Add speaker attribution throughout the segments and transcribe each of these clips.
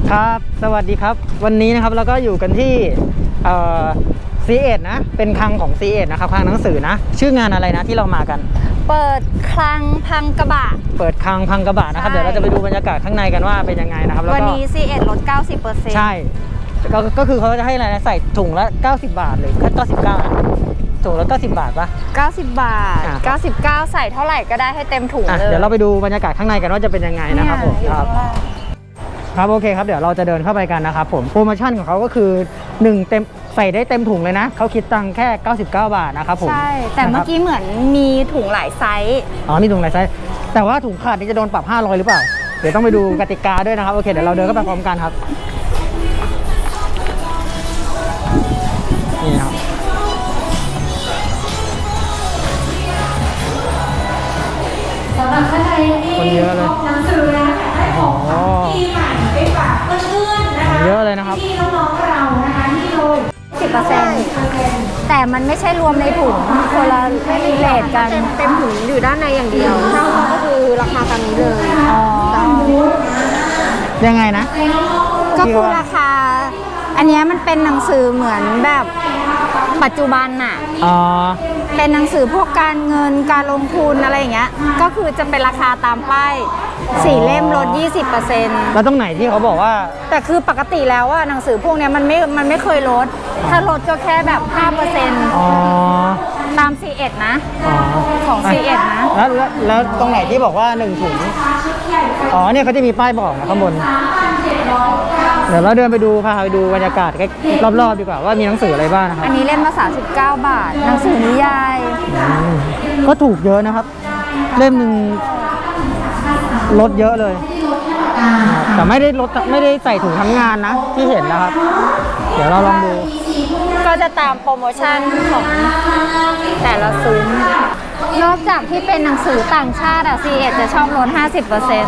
Speaker 1: ครับสวัสดีครับวันนี้นะครับเราก็อยู่กันที่C1 นะเป็นคลังของ C1 นะครับคลังหนังสือนะชื่องานอะไรนะที่เรามากัน
Speaker 2: เปิดคลังพังกระบะ
Speaker 1: เปิดคลังพังกระบะนะครับเดี๋ยวเราจะไปดูบรรยากาศข้างในกันว่าเป็นยังไงนะครับแล้วก็
Speaker 2: วันนี้ C1 ลด 90%
Speaker 1: ใช่ก็คือเขาจะให้อะไรนะใส่ถุงละ90 บาทหรือแค่99นะถุงละ90 บาทปะ
Speaker 2: 90 บาท99ใส่เท่าไหร่ก็ได้ให้เต็มถุงเลย
Speaker 1: เดี๋ยวเราไปดูบรรยากาศข้างในกันว่าจะเป็นยังไงนะครับผมครับโอเคครับเดี๋ยวเราจะเดินเข้าไปกันนะครับผมโปรโมชั่นของเขาก็คือ1เต็มใส่ได้เต็มถุงเลยนะเขาคิดตังค์แค่99 บาทนะครับผม
Speaker 2: ใช่แต่เมื่อกี้เหมือนมีถุงหลายไซส์
Speaker 1: มีถุงหลายไซส์แต่ว่าถุงขาดนี่จะโดนปรับ500หรือเปล่าเดี๋ยวต้องไปดูกติกาด้วยนะครับโอเคเดี๋ยวเราเดินเข้าไปพร้อมกันครับนี่ครับ
Speaker 3: สำหรับท่านใดที่พบหนังสือแล้วอยากได้ของที่ใหม่ไปฝากเพื่อนๆนะคะ
Speaker 1: เยอะเลยนะครับ
Speaker 3: ที่น้องๆเรานะคะที่โดย
Speaker 2: 10%แต่มันไม่ใช่รวมในถุงคนละเลทกัน
Speaker 4: เต็มถุงอยู่ด้านในอย่างเดียวถ้าเขาก็คือราคาตามนี้เลย
Speaker 1: ยังไงนะ
Speaker 2: ก็คือราคาอันนี้มันเป็นหนังสือเหมือนแบบปัจจุบันน่ะเป็นหนังสือพวกการเงินการลงทุนอะไรอย่างเงี้ยก็คือจะเป็นราคาตามป้าย4 เล่มลด 20%
Speaker 1: แล้วตรงไหนที่เขาบอกว่า
Speaker 2: แต่คือปกติแล้วว่าหนังสือพวกนี้มันไม่เคยลดถ้าลดก็แค่แบบ 5%ตาม C1 นะของ C1 นะ
Speaker 1: แล้วตรงไหนที่บอกว่า1ถุงเนี่ยเขาจะมีป้ายบอกนะข้างบนเดี๋ยวเราเดินไปดูพาไปดูบรรยากาศรอบๆดีกว่าว่ามีหนังสืออะไรบ้างนะครับ
Speaker 2: อันนี้เล่มละ39 บาทหนังสือนิยาย
Speaker 1: ก็ถูกเยอะนะครับเล่มหนึ่งลดเยอะเลยแต่ไม่ได้ใส่ถุงทำงานนะที่เห็นนะครับเดี๋ยวเราลองดู
Speaker 2: ก็จะตามโปรโมชั่นของแต่ละซุ้มนอกจากที่เป็นหนังสือต่างชาติC1 จะชอบลด 50%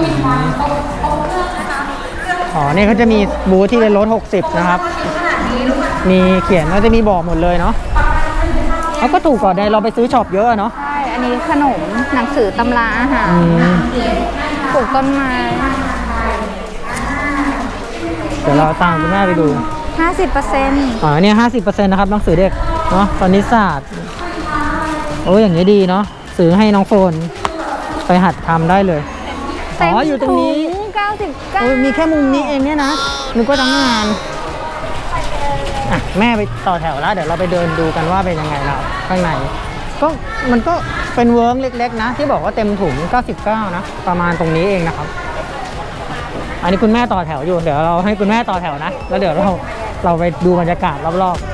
Speaker 1: นี่เขาจะมีบูธที่ลด60นะครับมีเขียนก็จะมีบอกหมดเลยเนาะเขาก็ถูกกว่าในเราไปซื้อช็อปเยอะเนาะ
Speaker 2: ใช่อันนี้ขนมหนังสือตำราอาหารปลูกต้นไม้
Speaker 1: เดี๋ยวเราตามคุณแม่ไปดู
Speaker 2: 50%
Speaker 1: เนี่ย 50% นะครับหนังสือเด็กเนาะคณิตศาสตร์อย่างนี้ดีเนาะซื้อให้น้องโฟนไปหัดทำได้เลยอยู่ตรงนี้
Speaker 2: 99
Speaker 1: มีแค่มุมนี้เองเนี่ยนะนึกว่าทั้งงานแม่ไปต่อแถวแล้วเดี๋ยวเราไปเดินดูกันว่าเป็นยังไงนะข้างในมันก็เป็นเวิร์กเล็กๆนะที่บอกว่าเต็มถุง99นะประมาณตรงนี้เองนะครับอันนี้คุณแม่ต่อแถวอยู่เดี๋ยวเราให้คุณแม่ต่อแถวนะแล้วเดี๋ยวเราไปดูบรรยากาศรอบๆ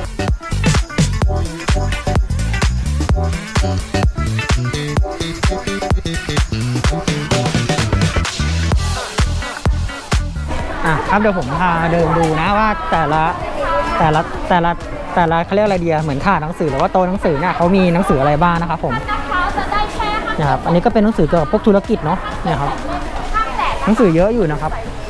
Speaker 1: ครับเดี๋ยวผมพาเดินดูนะว่าแต่ละเขาเรียกอะไรเดียเหมือนถาดหนังสือหรือว่าโต๊ะหนังสือเนี่ยเขามีหนังสืออะไรบ้างนะครับผมนะครับอันนี้ก็เป็นหนังสือเกี่ยวกับพวกธุรกิจเนาะเนี่ยครับหนังสือเยอะอยู่นะครับ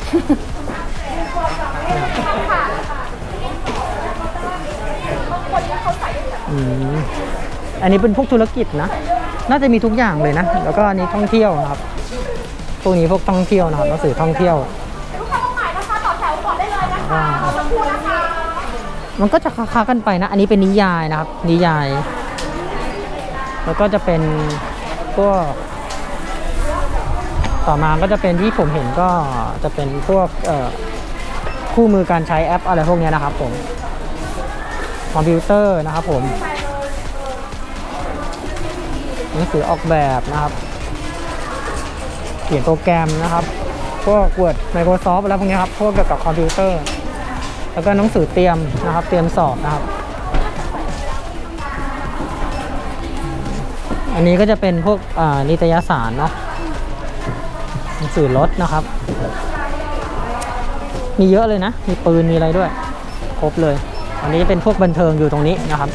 Speaker 1: อันนี้เป็นพวกธุรกิจนะน่าจะมีทุกอย่างเลยนะแล้วก็อันนี้ท่องเที่ยวนะครับพวกนี้พวกท่องเที่ยวนะครับหนังสือท่องเที่ยวมันก็จะค้ากันไปนะอันนี้เป็นนิยายนะครับนิยายแล้วก็จะเป็นพวกต่อมาก็จะเป็นที่ผมเห็นก็จะเป็นพวกคู่มือการใช้แอปอะไรพวกนี้นะครับผมคอมพิวเตอร์นะครับผมหนังสือออกแบบนะครับเขียนโปรแกรมนะครับพวก Word Microsoft แล้วพวกนี้ครับพวกเกี่ยวกับคอมพิวเตอร์แล้วก็หนังสือเตรียมนะครับเตรียมสอบนะครับอันนี้ก็จะเป็นพวกนิตยสารเนาะหนังสือรถนะครับมีเยอะเลยนะมีปืนมีอะไรด้วยครบเลยอันนี้จะเป็นพวกบันเทิงอยู่ตรงนี้นะครับ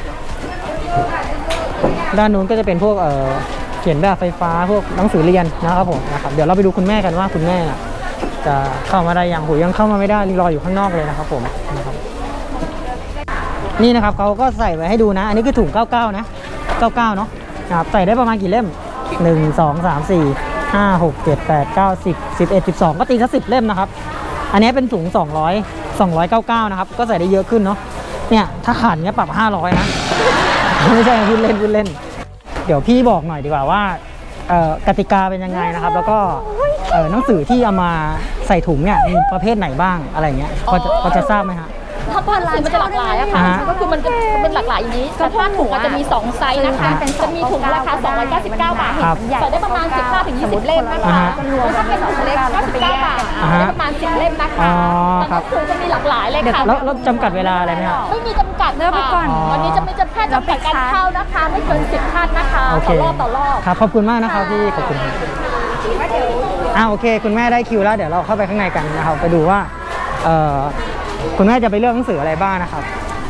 Speaker 1: ด้านนู้นก็จะเป็นพวกเขียนแบบไฟฟ้าพวกหนังสือเรียนนะครับผมนะครับเดี๋ยวเราไปดูคุณแม่กันว่าคุณแม่จะเข้ามาได้ยังเข้ามาไม่ได้รออยู่ข้างนอกเลยนะครับผมนะครับนี่นะครับเขาก็ใส่ไว้ให้ดูนะอันนี้คือถุง99นะ99เนาะนะครับใส่ได้ประมาณกี่เล่ม1 2 3 4 5 6 7 8 9 10 11 12ก็ตีสัก10 เล่มนะครับอันนี้เป็นสูง299นะครับก็ใส่ได้เยอะขึ้นเนาะเนี่ยถ้าขาดเนี้ยปรับ500นะไม่ใช่พูดเล่นเดี๋ยวพี่บอกหน่อยดีกว่าว่ากติกาเป็นยังไงนะครับแล้วก็หนังสือที่เอามาใส่ถุงเนี่ยมีประเภทไหนบ้างอะไรเงี้ยพอจะทราบไหมฮะ
Speaker 5: ถ้าผ้าลายมันจะหลากหลายอะค่ะ ก็คือมันจะเป็นหลากหลายอย่างนี้แต่ผ้าถุงจะมี2ไซส์นะคะจะมีถุงราคา299 บาทใส่ได้ประมาณ15 ถึง 20 เล่มนะคะแล้วถ้าเป็นถุงเล็ก99 บาทได้ประมาณ10 เล่มนะคะแต่ก็คือจะมีหลากหลายเลยค่ะ
Speaker 1: แล้วจำกัดเวลาอะไรไหมครับ
Speaker 5: ไม่มีจำกัดค่ะวันนี้จะไม่จะแค่จำกัดการเข้านะคะไม่เกิน10 ท่านนะคะต่อรอบ
Speaker 1: ครับขอบคุณมากนะครับพี่ขอบคุณโอเคคุณแม่ได้คิวแล้วเดี๋ยวเราเข้าไปข้างในกันนะครับไปดูว่าคุณแม่จะไปเลือกหนังสืออะไรบ้างนะครับ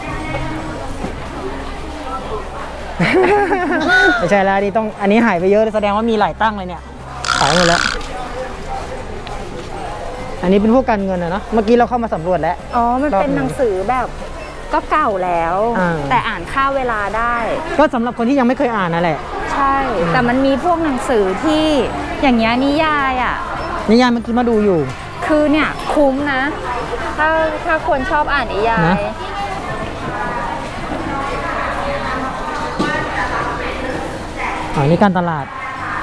Speaker 1: ไม่ใช่แล้วอันนี้หายไปเยอะแสดงว่ามีหลายตั้งเลยเนี่ยหายหมดแล้วอันนี้เป็นพวกการเงินเนาะเมื่อกี้เราเข้ามาสำรวจแล้ว
Speaker 2: มันเป็นหนังสือแบบก็เก่าแล้วแต่อ่านค่าเวลาได้
Speaker 1: ก็สำหรับคนที่ยังไม่เคยอ่านนั่นแหละ
Speaker 2: ใช่แต่มันมีพวกหนังสือที่อย่างเงี้ยนิยาย
Speaker 1: เมื่อกี้มาดูอยู่
Speaker 2: คือเนี่ยคุ้มนะถ้าคนชอบอ่านนิยาย
Speaker 1: นี่การตลาด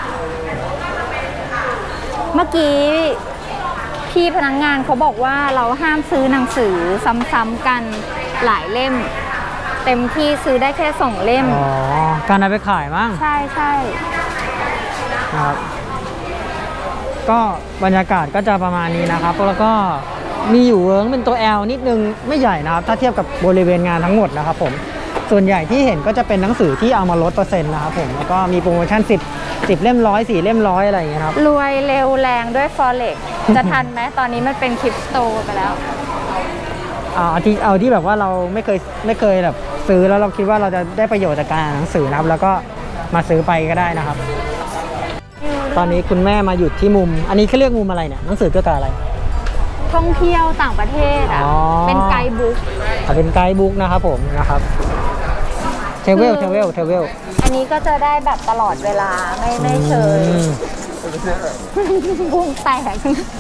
Speaker 2: เมื่อกี้พี่พนักงานเขาบอกว่าเราห้ามซื้อหนังสือซ้ำๆกันหลายเล่มเต็มที่ซื้อได้แค่2 เล่ม
Speaker 1: การเอาไปขายมั้ง
Speaker 2: ใช่
Speaker 1: ครับก็บรรยากาศก็จะประมาณนี้นะครับแล้วก็มีอยู่เวิร์กเป็นตัว L นิดนึงไม่ใหญ่นะครับถ้าเทียบกับบริเวณงานทั้งหมดนะครับผมส่วนใหญ่ที่เห็นก็จะเป็นหนังสือที่เอามาลดเปอร์เซ็นต์นะครับผมแล้วก็มีโปรโมชั่น10 เล่ม100 4 เล่ม100อะไรอย่างเงี้ยครับ
Speaker 2: รวยเร็วแรงด้วย Forex จะทันไหมตอนนี้มันเป็นคริปโตไปแล้ว
Speaker 1: เอาที่แบบว่าเราไม่เคยแบบซื้อแล้วเราคิดว่าเราจะได้ประโยชน์จากการอ่านหนังสือนะครับแล้วก็มาซื้อไปก็ได้นะครับตอนนี้คุณแม่มาหยุดที่มุมอันนี้เขาเรียกมุมอะไรเนี่ยหนังสือเกี่ยวกับอะไร
Speaker 2: ท่องเที่ยวต่างประเทศเป็นไกด์บุ๊ก
Speaker 1: เป็นไกด์บุ๊กนะครับผมนะครับเทเวล
Speaker 2: อันนี้ก็จะได้แบบตลอดเวลาไม่เชยบุ้งแตก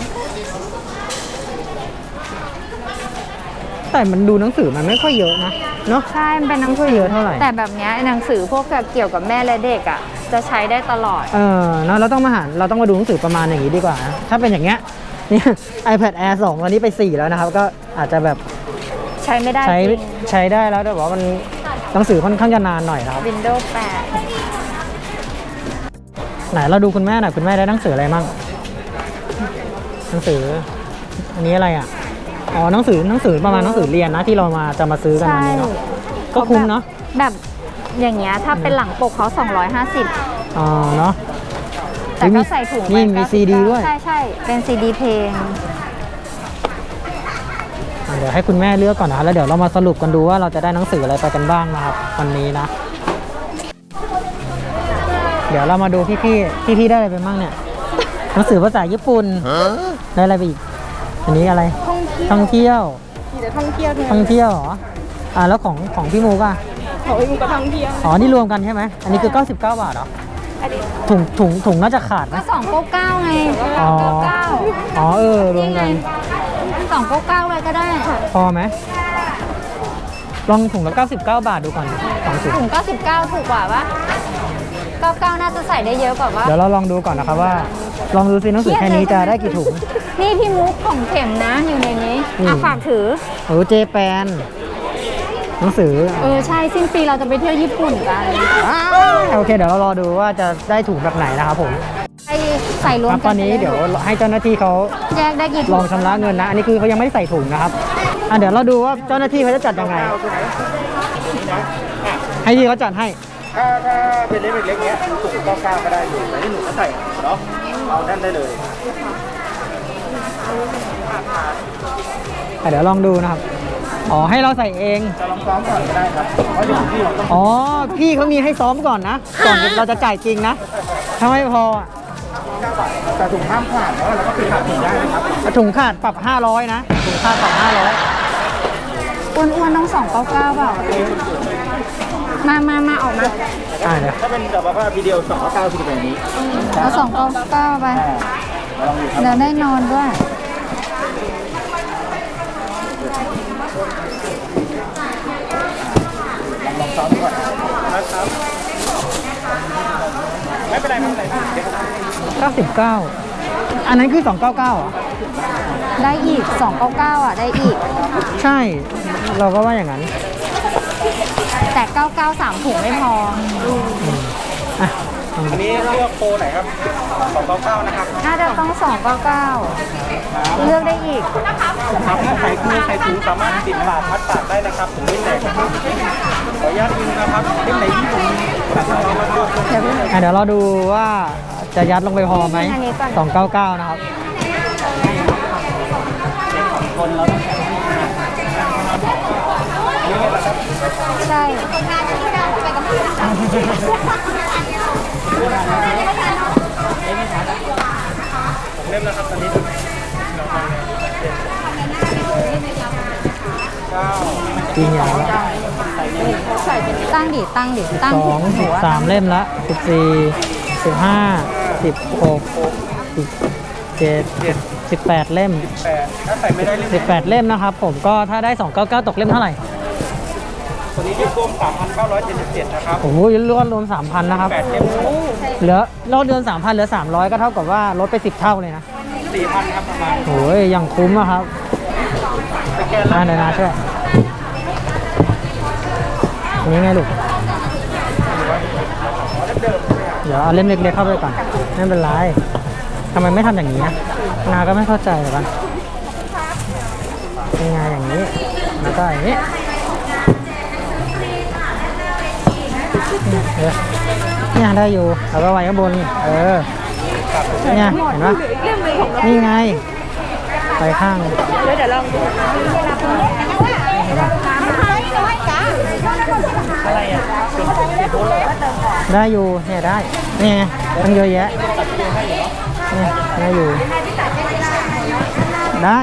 Speaker 1: แต่มันดูหนังสือมันไม่ค่อยเยอะนะเนาะ
Speaker 2: ใช่มันเป็นหนังสือ
Speaker 1: เยอะเท่าไหร่
Speaker 2: แต่แบบนี้หนังสือพวกเกี่ยวกับแม่และเด็กจะใช้ได้ตลอด
Speaker 1: เนาะเราต้องมาดูหนังสือประมาณอย่างนี้ดีกว่าถ้าเป็นอย่างเงี้ยเนี่ย iPad Air 2 วันนี้ไป4แล้วนะครับก็อาจจะแบบ
Speaker 2: ใช้ไม่ได้
Speaker 1: ใช้ได้แล้วแต่ว่ามันหนังสือค่อนข้างจะนานหน่อยนะครับ
Speaker 2: Windows 8
Speaker 1: ไหนเราดูคุณแม่หน่อยคุณแม่ได้หนังสืออะไรมั่งหนังสืออันนี้อะไรหนังสือประมาณหนังสือเรียนนะที่เราจะมาซื้อกันวันนี้เนาะก็คุ้มเนาะ
Speaker 2: แบบอย่างเงี้ยถ้าเป็นหลังปกเขา250
Speaker 1: เนาะ
Speaker 2: แต่ก็ใส่ถุง
Speaker 1: นี่มีซีดีด้วย
Speaker 2: ใช่เป็นซีดีเพลง
Speaker 1: เดี๋ยวให้คุณแม่เลือกก่อนนะแล้วเดี๋ยวเรามาสรุปกันดูว่าเราจะได้หนังสืออะไรไปกันบ้างนะครับวันนี้นะเดี๋ยวเรามาดูพี่ได้อะไรไปบ้างเนี่ยหนังสือภาษาญี่ปุ่นได้อะไรไปอีกอันนี้อะไรท่องเที่ยว
Speaker 2: ท่องเที่ยว
Speaker 1: เหรอแล้วของพี่มูก
Speaker 2: ของพี่มูก็ท่องเที่ยว
Speaker 1: นี่รวมกันใช่ไหมอันนี้คือ99 บาทเหรอถุงน่าจะขาดไหม
Speaker 2: ก็299ไง
Speaker 1: รวมกัน
Speaker 2: 299เลยก็ได้
Speaker 1: พอไหมลองถุงละ99 บาทดูก่อน
Speaker 2: ถุง99ถูกกว่าปะ99น่าจะใส่ได้เยอะกว่าปะ
Speaker 1: เดี๋ยวเราลองดูก่อนนะครับว่าลองดูซิหนังสือแค่นี้จะได้กี่ถุง
Speaker 2: นี่พี่มุกของเข็มนะอยู่ในนี้ฝากถือ
Speaker 1: เจแปนหนังสือ
Speaker 2: ใช่สิ้นปีเราจะไปเที่ยวญี่ปุ่นกัน
Speaker 1: โอเคเดี๋ยวเรารอดูว่าจะได้ถุงแบบไหนนะครับผม
Speaker 2: ใส่รวมกัน
Speaker 1: ตอนนี้เดี๋ยวให้เจ้าหน้าที่เขา
Speaker 2: แยกได้กี่
Speaker 1: ลองชำระเงินนะอันนี้คือเขายังไม่ได้ใส่ถุงนะครับเดี๋ยวเราดูว่าเจ้าหน้าที่เขาจะจัดยังไงให้ที่เขาจัดให้
Speaker 6: ถ้าเป็นเล็กๆเนี้ยถุง99ก็ได้อยู่แต่ที่หนูก็ใส่เนาะเอานั่นได้เลย
Speaker 1: เดี๋ยวลองดูนะครับให้เราใส่เอง
Speaker 6: จะลองซ้อมก่อนก็ได้ครับเพราะเดี๋ยวพี่เราต้อง
Speaker 1: พี่เขามีให้ซ้อมก่อนนะก่อนเราจะจ่ายจริงนะถ้าไม่พอ
Speaker 6: แต่ถุงห้ามขาดแล้วเราก็คือขาดถุงได้นะครับ
Speaker 1: ถุงขาดปรับ500นะถุงขาดปรับ500
Speaker 2: อ้วนๆต้อง299เปล่ามาออกมา
Speaker 6: ถ้าเป็นแบบว่าวิดีโอ299คือแบบนี้
Speaker 2: เอา299ไปเดี๋ยวได้นอนด้วย
Speaker 6: ได้ครับไหน
Speaker 1: 99อันนั้นคือ299เหรอ
Speaker 2: ได้อีก 299 อ่ะ ได้อีก
Speaker 1: ใช่เราก็ว่าอย่างนั้น
Speaker 2: แต่ 993 ถุงไม่พอ
Speaker 1: อ่ะ
Speaker 6: อันนี้เลือกโปรไหนครับ299นะครับ
Speaker 2: น่าจะต้อง 299 เลือกได้อีก
Speaker 6: ครับถ้าใส่คู่ใส่ถุงสามารถติดปากมัดปากได้นะครับถุงไม่แตกนะครับขออนุญาตยิงนะครับเล่มไหนที่ผมตัดเอามาด้วย
Speaker 1: เดี๋ยวเราดูว่าจะยัดลงไปพอไหม
Speaker 2: อันนี้ก่อน
Speaker 1: 299นะครับ
Speaker 2: ใช่
Speaker 6: เล่มนะครับตอนนี้
Speaker 1: จริงอย่างละ
Speaker 2: ตั้งดิ ตั้งดิ ตั้ง
Speaker 1: 2 13เล่มละ14 15 16 17 18 เล่ม
Speaker 6: 8ถ้าใส่ไม่ได้เล่ม
Speaker 1: 18 เล่มนะครับผมก็ถ้าได้ 299 ตกเล่มเท่าไหร่
Speaker 6: ตัวนี้รวม 3,977 นะครับ
Speaker 1: โอ้โหรวม 3,000 นะครับ
Speaker 6: 8เล่ม
Speaker 1: เหลือลดเดือน 3,000 เหลือ 300 ก็เท่ากับว่าลดไป 10 เท่าเลยนะ
Speaker 6: 4,000 ครับประมาณ
Speaker 1: โอ้ยยังคุ้มอะครับ
Speaker 6: สแกนแล้ว
Speaker 1: เดี๋ยวนะช่วยอันนี้ไงลูก เดี๋ยวเอาเล่มเล็กๆเข้าไปก่อนไม่เป็นไรทำไมไม่ทำอย่างนี้นะนาก็ไม่เข้าใจเหมือนกันเป็นไงอย่างนี้แล้วก็อย่างนี้เนี่ยได้อยู่แล้วก็ไว้ข้างบนเนี่ยเห็นปะนี่ไงไปข้างได้อยู่เนี่ยได้นี่ไงตั้งเยอะแยะเนี่ยได้อยู่ได้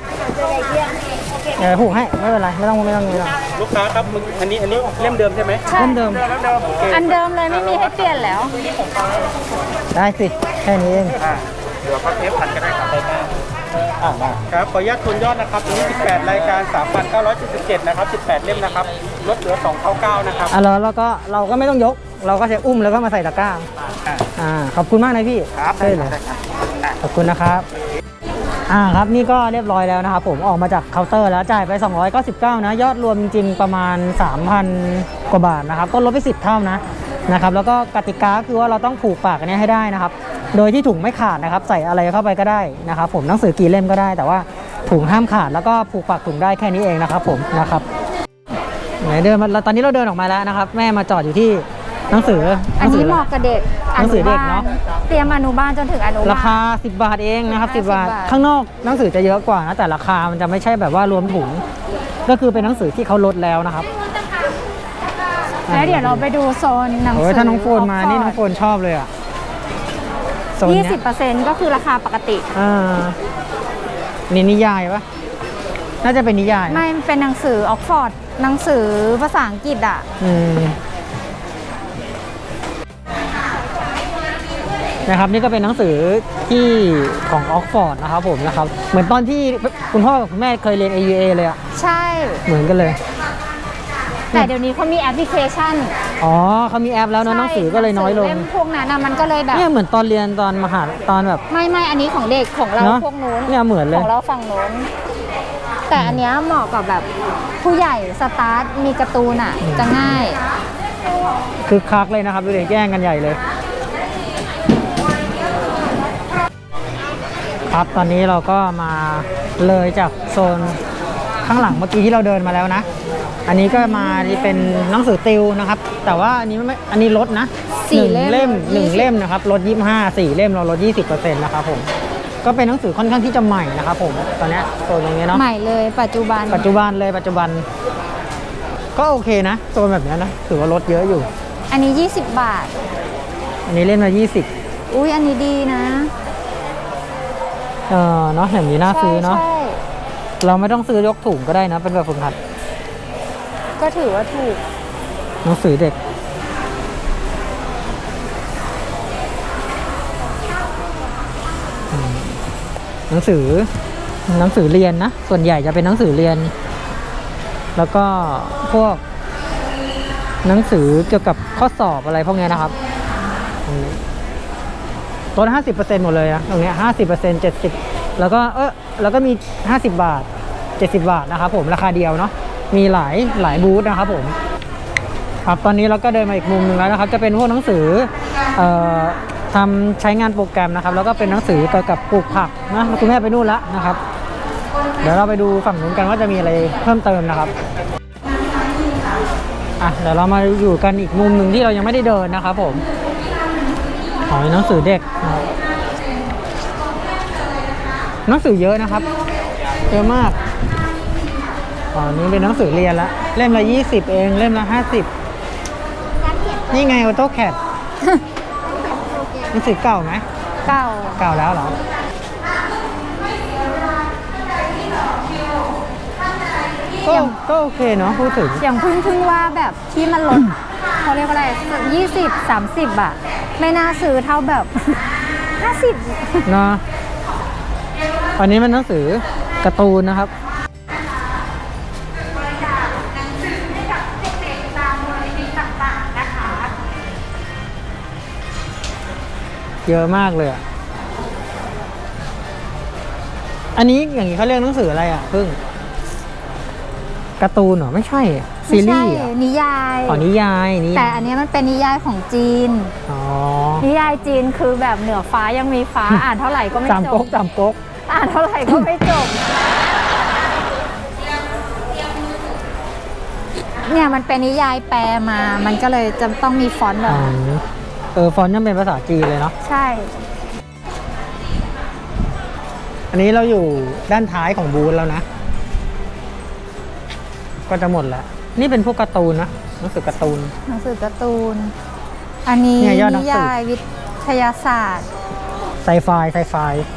Speaker 1: ผูกให้ไม่เป็นไรไม่ต้อง
Speaker 6: ลูกค้าครับอันนี้เล่มเดิมใช่ไหม
Speaker 1: เล่มเดิม
Speaker 6: โอเค
Speaker 2: อันเดิมเลยไม่มีให้เปลี่ยนแล้ว
Speaker 1: ได้สิแค่นี้เอง
Speaker 6: เดี๋ยวพักเทปพันก็ได้ครับได้ครับขออนุญาตทวนยอดนะครับตัวนี้18รายการ 3,977 นะครับ18เล่มนะครับลดเหลือ299นะครับ
Speaker 1: แล้วเราก็ไม่ต้องยกเราก็ใช้อุ้มแล้วก็มาใส่ตะกร้าขอบคุณมากนะพี่
Speaker 6: ครับ
Speaker 1: ใช่เลย
Speaker 6: ได้ครับ
Speaker 1: ขอบคุณนะครับครับนี่ก็เรียบร้อยแล้วนะครับผมออกมาจากเคาน์เตอร์แล้วจ่ายไป299นะยอดรวมจริงๆประมาณ 3,000 กว่าบาทนะครับก็ลดไป10 เท่านะครับแล้วก็กติกาคือว่าเราต้องผูกปากอันนี้ให้ได้นะครับโดยที่ถุงไม่ขาดนะครับใส่อะไรเข้าไปก็ได้นะครับผมหนังสือกี่เล่มก็ได้แต่ว่าถุงห้ามขาดแล้วก็ผูกปากถุงได้แค่นี้เองนะครับผมนะครับไหนเดินมาตอนนี้เราเดินออกมาแล้วนะครับแม่มาจอดอยู่ที่หนังสือ
Speaker 2: อันนี้เหมาะกับเด็ก
Speaker 1: หนังสือเด็กเนาะ
Speaker 2: เตรียมอนุบาลจนถึงอนุบาล
Speaker 1: ราคา10 บาทเองนะครับ10 บาท
Speaker 2: บาท
Speaker 1: ข้างนอกหนังสือจะเยอะกว่านะแต่ราคามันจะไม่ใช่แบบว่ารวมถุงก็คือเป็นหนังสือที่เขาลดแล้วนะครับ
Speaker 2: แล้วเดี๋ยวเราไปดูโซนหนังสื
Speaker 1: ถ้าน้องโฟนมานี่น้องโฟนชอบเลยอ่ะโซนเนี้ย
Speaker 2: 20%ก็คือราคาปกติ
Speaker 1: นี่นิยายปะน่าจะเป็นนิยาย
Speaker 2: ไม่เป็นหนังสือออกฟอร์ดหนังสือภาษาอังกฤษอ่ะ
Speaker 1: นะครับนี่ก็เป็นหนังสือที่ของออกฟอร์ดนะครับผมนะครับเหมือนตอนที่คุณพ่อกับคุณแม่เคยเรียน AUA เลยอ่ะ
Speaker 2: ใช่
Speaker 1: เหมือนกันเลย
Speaker 2: แต่เดี๋ยวนี้เขามีแอปพลิเคชัน
Speaker 1: เขามีแอปแล้วนะหนังสือก็เลยน้อยลง
Speaker 2: เล่มพวกนั้นมันก็เลยแบบ
Speaker 1: เนี่ยเหมือนตอนเรียนตอนมหาตอนแบบ
Speaker 2: ไม่อันนี้ของเด็กของเรา
Speaker 1: เนอะ
Speaker 2: พวกนู้น
Speaker 1: เนี่ยเหมือนเลย
Speaker 2: ของเราฝั่งนู้นแต่อันเนี้ยเหมาะกับแบบผู้ใหญ่สตาร์ทมีการ์ตูนอ่ะจะง่าย
Speaker 1: คือคักเลยนะครับดูเด็กแย่งกันใหญ่เลยครับตอนนี้เราก็มาเลยจากโซนข้างหลังเมื่อกี้ที่เราเดินมาแล้วนะอันนี้ก็มาเป็นหนังสือติวนะครับแต่ว่าอันนี้ลดนะ
Speaker 2: 4
Speaker 1: 1
Speaker 2: เล่ม
Speaker 1: 1 เล่มนะครับลด25 4 เล่มเราลด 20% นะครับผมก็เป็นหนังสือค่อนข้างที่จะใหม่นะครับผมตอนนี้โซนอย่างเงี้ยเนาะ
Speaker 2: ใหม่เลยปัจจุบัน
Speaker 1: ปัจจุบันก็โอเคนะโซนแบบนี้นะถือว่าลดเยอะอยู่
Speaker 2: อันนี้20 บาท
Speaker 1: อันนี้เล่มละ20
Speaker 2: อุ้ยอันนี้ดีนะ
Speaker 1: เนาะอย่างนี้น่าซื้อเนาะ
Speaker 2: ใช่
Speaker 1: เราไม่ต้องซื้อยกถุงก็ได้นะเป็นแบบฝึกหัด
Speaker 2: ก็ถือว่าถูก
Speaker 1: หนังสือเด็กหนังสือเรียนนะส่วนใหญ่จะเป็นหนังสือเรียน แล้วก็พวกหนังสือเกี่ยวกับข้อสอบอะไรพวกนี้นะครับลด 50% หมดเลยนะตรงเนี้ย50% 70แล้วก็แล้วก็มี50 บาท70 บาทนะครับผมราคาเดียวเนาะมีหลายบูธนะครับผมครับตอนนี้เราก็เดินมาอีกมุมหนึงแล้วนะครับจะเป็นพวกหนังสือทำใช้งานโปรแกรมนะครับแล้วก็เป็นหนังสือเกี่ยวกับปลูกผักนะคุณแม่ไปนู่นแล้วนะครับเดี๋ยวเราไปดูฝั่งนู้นกันว่าจะมีอะไรเพิ่มเติมนะครับเดี๋ยวเรามาอยู่กันอีกมุมหนึ่งที่เรายังไม่ได้เดินนะครับผมหนังสือเด็กนะครับหนังสือเยอะนะครับเยอะมากอันนี้เป็นหนังสือเรียนละเล่มละ20เองเล่มละ50นี่ไงออโต้แคดหนังสือเก่าไหมเก่าแล้วเหรอก็โอเคเนาะพูดถึง
Speaker 2: อย่างเพิ่งว่าแบบที่มันลด เขาเรียกว่าอะไร20-30อะไม่น่าซื้อเท่าแบบ50
Speaker 1: เนาะอันนี้มันหนังสือการ์ตูนนะครับเยอะมากเลยอันนี้อย่างนี้เขาเรียกหนังสืออะไรพึ่งการ์ตูนเหรอไม่ใช่ซีรีส์
Speaker 2: นิยาย
Speaker 1: นิยาย
Speaker 2: แต่อันนี้มันเป็นนิยายของจีนนิยายจีนคือแบบเหนือฟ้ายังมีฟ้า อ่านเท่าไหร่ก็ไม่จบ
Speaker 1: จำก๊ก
Speaker 2: อ่านเท่าไหร่ก็ไม่จบเนี่ยมันเป็นนิยายแปลมามันก็เลยจะต้องมีฟอนต์แบบ
Speaker 1: ฟอนต์ยังเป็นภาษาจีนเลยเนาะ
Speaker 2: ใช่
Speaker 1: อันนี้เราอยู่ด้านท้ายของบูธแล้วนะก็จะหมดแล้วนี่เป็นพวกการ์ตูนนะหนังสือการ์ตูน
Speaker 2: อันนี้นิยายวิทยาศาสตร์
Speaker 1: ไซไฟ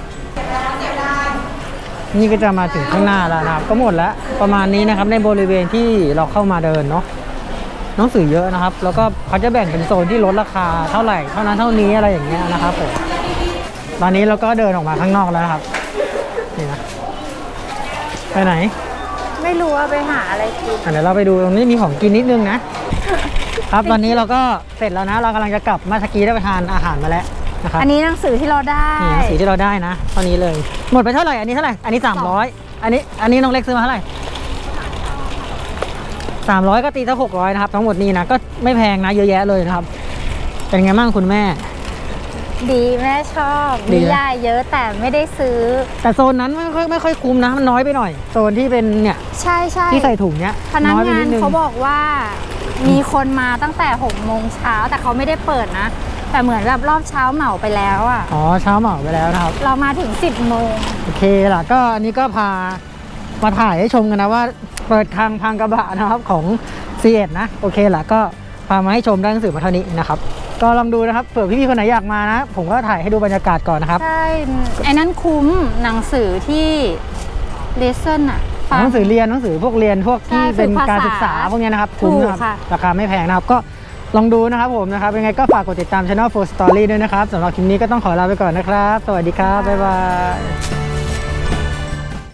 Speaker 1: นี่ก็จะมาถึงข้างหน้าแล้วนะครับก็หมดแล้วประมาณนี้นะครับในบริเวณที่เราเข้ามาเดินเนาะหนังสือเยอะนะครับแล้วก็เขาจะแบ่งเป็นโซนที่ลดราคาเท่าไหร่เท่านั้นเท่านี้อะไรอย่างเงี้ยนะครับผมตอนนี้เราก็เดินออกมาข้างนอกแล้วนะครับนี่นะไปไหน
Speaker 2: ไม่รู้ว่าไปหาอะไรกิน
Speaker 1: เดี๋ยวเราไปดูตรงนี้มีของกินนิดนึงนะครับตอนนี้เราก็เสร็จแล้วนะเรากำลังจะกลับมาตะกี้ได้ไปทานอาหารมาแล้วนะครับ
Speaker 2: อันนี้หนังสือที่เราได้
Speaker 1: หนังสือที่เราได้นะตอนนี้เลยหมดไปเท่าไหร่อันนี้เท่าไหร่อันนี้300อันนี้น้องเล็กซื้อมาเท่าไหร่300ก็ตีซะ600นะครับทั้งหมดนี้นะก็ไม่แพงนะเยอะแยะเลยนะครับเป็นไงบ้างคุณแม่
Speaker 2: ดีแม่ชอบนิยายเยอะแต่ไม่ได้ซื้อ
Speaker 1: แต่โซนนั้นไม่ค่อยคุ้มนะมันน้อยไปหน่อยโซนที่เป็นเนี่ย
Speaker 2: ใช่
Speaker 1: ที่ใส่ถุงเนี้ย
Speaker 2: พนักงานเขาบอกว่ามีคนมาตั้งแต่6 โมงเช้าแต่เขาไม่ได้เปิดนะแต่เหมือนแบบรอบเช้าเหมาไปแล้ว
Speaker 1: เช้าเหมาไปแล้วนะครับ
Speaker 2: เรามาถึง10 โมง
Speaker 1: โอเคล่ะก็อันนี้ก็พามาถ่ายให้ชมกันนะว่าเปิดทางพังกระบะนะครับของ C1 นะโอเคล่ะก็พามาให้ชมได้หนังสือมาเท่านี้นะครับก็ลองดูนะครับเผื่อพี่ๆคนไหนอยากมานะผมก็ถ่ายให้ดูบรรยากาศก่อนนะครับ
Speaker 2: ใช่ไอ้นั้นคุ้มหนังสือที่เลเซน
Speaker 1: หนังสือเรียนหนังสือพวกเรียนพวกที่เป็นการศึกษาพวกนี้นะครับคุ้มนะครับราคาไม่แพงนะครับก็ลองดูนะครับผมนะครับยังไงก็ฝากกดติดตาม Channel 4 Story ด้วยนะครับสำหรับคลิปนี้ก็ต้องขอลาไปก่อนนะครับสวัสดีครับบ๊ายบาย